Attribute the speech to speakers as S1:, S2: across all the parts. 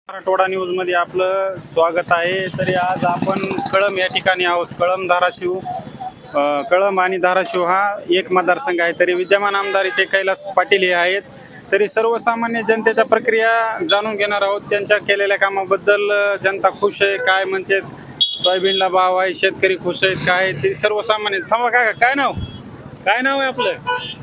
S1: Marathwada news मध्ये आपलं स्वागत आहे. तरी आज आपण कळंब या ठिकाणी आहोत. कळंब आणि धाराशिव हा एक मतदारसंघ आहे. तरी विद्यमान आमदार इथे कैलास पाटील हे आहेत. तरी सर्वसामान्य जनतेच्या प्रक्रिया जाणून घेणार आहोत. त्यांच्या केलेल्या कामाबद्दल जनता खुश आहे, काय म्हणते, सोयाबीनला भाव आहे, शेतकरी खुश आहेत, काय ते सर्वसामान्य. थांबा काका, काय नाव आहे आपलं?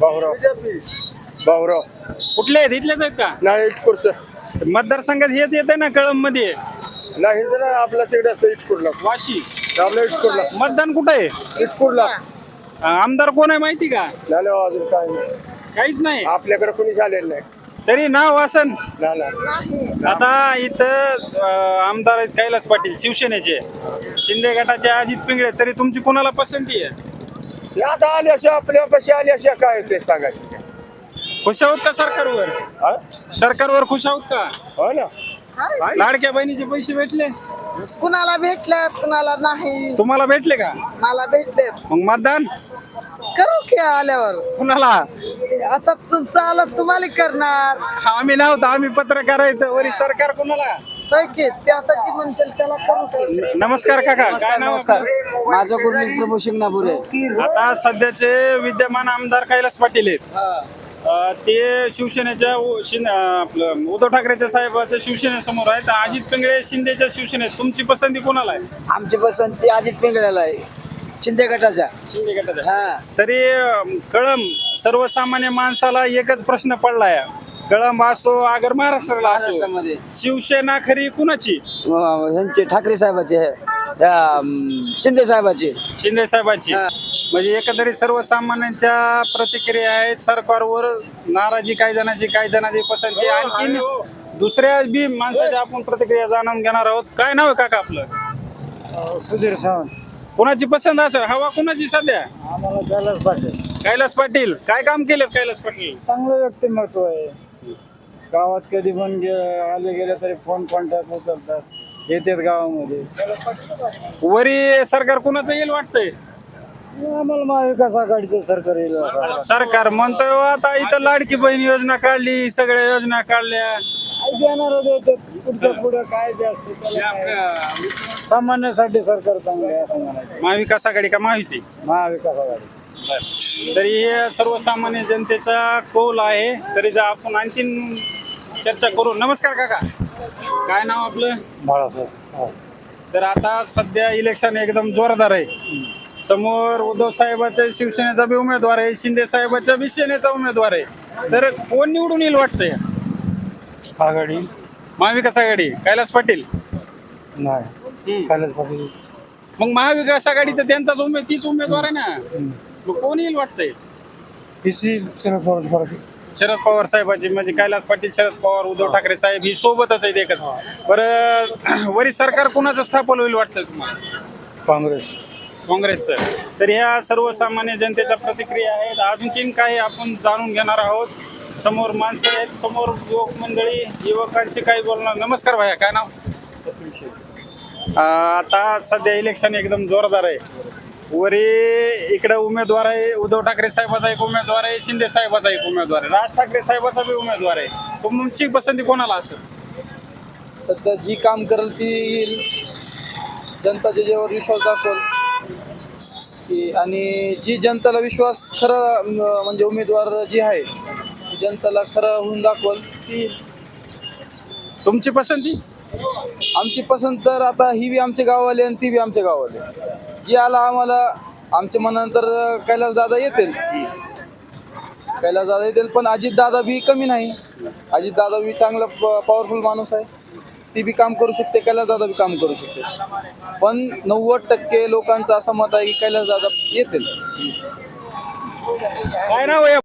S2: भाऊराव
S1: कुठले आहेत? इथलेच आहेत का?
S2: नाही इटकूरचं
S1: मतदारसंघात हेच येते ना कळंब मध्ये?
S2: नाही तर आपला तिकडे असतं इटकूरला.
S1: वाशी
S2: आपल्या इटकूरला
S1: मतदान कुठं आहे?
S2: इटकूरला
S1: आमदार कोण आहे माहिती का?
S2: नाही अजून काय नाही,
S1: काहीच नाही.
S2: आपल्याकडे कोणी आलेलं नाही.
S1: तरी नाव असन.
S2: नाही.
S1: आता इथं आमदार आहेत कैलास पाटील शिवसेनेचे, शिंदे गटाचे अजित पिंगळे. तरी तुमची कोणाला पसंती आहे?
S2: ते आता आले अशा आपल्यापाशी आले अशा काय ते सांगायचं ते.
S1: खुश आहोत का सरकारवर?
S2: हा?
S1: सरकारवर खुश आहोत का?
S2: हो ना.
S1: लाडक्या बहिणीचे पैसे भेटले?
S3: कुणाला भेटल्यात कुणाला नाही.
S1: तुम्हाला भेटले का?
S3: मला भेटलेत.
S1: मग मतदान
S3: करू की आल्यावर.
S1: कुणाला?
S3: आता तुमचं आलं तुम्हाला करणार.
S1: आम्ही नव्हतं, आम्ही पत्रकार आहेत. वरी सरकार कुणाला?
S3: पैकी ते आता जी म्हणतील त्याला करू की.
S1: नमस्कार काका, काय नाव?
S3: माझं गुरलीन प्रभू शिंगणापूर आहे.
S1: आता सध्याचे विद्यमान आमदार कैलास पाटील आहेत. ते शिवसेनेच्या आपलं उद्धव ठाकरेच्या साहेबाच्या शिवसेनेसमोर आहेत. अजित पिंगळे शिंदेच्या शिवसेनेत. तुमची पसंती कोणाला आहे?
S3: आमची पसंती अजित पिंगळ्याला आहे, शिंदे गटाचा.
S1: शिंदे गटाचा. तरी कळंब सर्वसामान्य माणसाला एकच प्रश्न पडलाय. कळंब असो अगर महाराष्ट्राला असो,
S3: महाराष्ट्रामध्ये
S1: शिवसेना खरी कुणाची?
S3: ह्यांचे ठाकरे साहेबाचे, शिंदे साहेबाचे.
S1: शिंदे साहेबाची. म्हणजे एकंदरीत सर्वसामान्यांच्या प्रतिक्रिया आहेत. सरकारवर नाराजी काही जणांची पसंती. आणखीन दुसऱ्या बी माणसाच्या आपण प्रतिक्रिया जाणून घेणार आहोत. काय नाव आहे काका आपलं?
S2: सुधीर सावंत.
S1: कोणाची पसंत असेल? हवा कोणाची सध्या?
S2: आम्हाला कैलास पाटील.
S1: कैलास पाटील. काय काम केलं कैलास पाटील?
S2: चांगलं व्यक्तिमत्व आहे. गावात कधी पण आले गेले तरी फोन कॉन्टॅक्ट उचलतात, येतात गावामध्ये.
S1: वरी सरकार कुणाचं येईल वाटतंय?
S2: आम्हाला महाविकास आघाडीचं सरकार येईल.
S1: सरकार म्हणतोय आता इथं लाडकी बहीण योजना काढली, सगळ्या योजना काढल्या.
S2: देणार देतात, पुढच्या पुढे काय बी असते त्याला काय. सामान्यासाठी सरकार चांगलं आहे असं म्हणायचं.
S1: महाविकास आघाडी का महायुती?
S2: महाविकास आघाडी.
S1: तरी हे सर्वसामान्य जनतेचा कौल आहे. तरी जर आपण आणखीन चर्चा करू. नमस्कार काका, काय नाव आपलं?
S2: बाळासाहेब.
S1: तर आता सध्या इलेक्शन एकदम जोरदार आहे. समोर उद्धव साहेबाचा शिवसेनेचा बी उमेदवार आहे, शिंदे साहेबाच्या बी सेनेचा उमेदवार आहे. तर कोण निवडून येईल वाटतंय?
S2: आघाडी.
S1: महाविकास आघाडी. कैलास पाटील
S2: नाही, कैलास पाटील.
S1: मग महाविकास आघाडीचा त्यांचाच तीच उमेदवार आहे ना. मग कोण येईल वाटतंय?
S2: शरद पवार.
S1: शरद पवार साहेबाची. म्हणजे कैलास पाटील, शरद पवार, उद्धव ठाकरे साहेब ही सोबतच आहेत एकत्र. बरं, वरी सरकार कुणाचं स्थापन होईल वाटतं तुम्हाला? काँग्रेसचं. तर ह्या सर्वसामान्य जनतेच्या प्रतिक्रिया आहेत. आणखीन काही आपण जाणून घेणार आहोत. समोर माणसं आहेत, समोर युवक मंडळी, युवकांशी काही बोलणार. नमस्कार भाया, काय नाव? आता सध्या इलेक्शन एकदम जोरदार आहे. वरी इकडे उमेदवार आहे, उद्धव ठाकरे साहेबाचा एक उमेदवार आहे, शिंदे साहेबाचा एक उमेदवार आहे, राज ठाकरे साहेबाचा बी उमेदवार आहे. तुमची पसंती कोणाला असेल?
S3: सध्या जी काम करेल ती येईल. जनता ज्याच्यावर विश्वास दाखवल की, आणि जी जनताला विश्वास खरा म्हणजे उमेदवार जी आहे ती जनताला खरं होऊन दाखवल ती.
S1: तुमची पसंती?
S3: आमची पसंत तर आता ही बी आमचे गाववाले आणि ती बी आमच्या गाववाले. जी आला आम्हाला आमच्या मनानंतर कैलास दादा येतील. पण अजित दादा बी कमी नाही. अजित दादा बी चांगला पॉवरफुल माणूस आहे. ती बी काम करू शकते, कैलास दादा बी काम करू शकते. पण 90% लोकांचं असं मत आहे की कैलास दादा येतील.
S1: काय नाव आहे?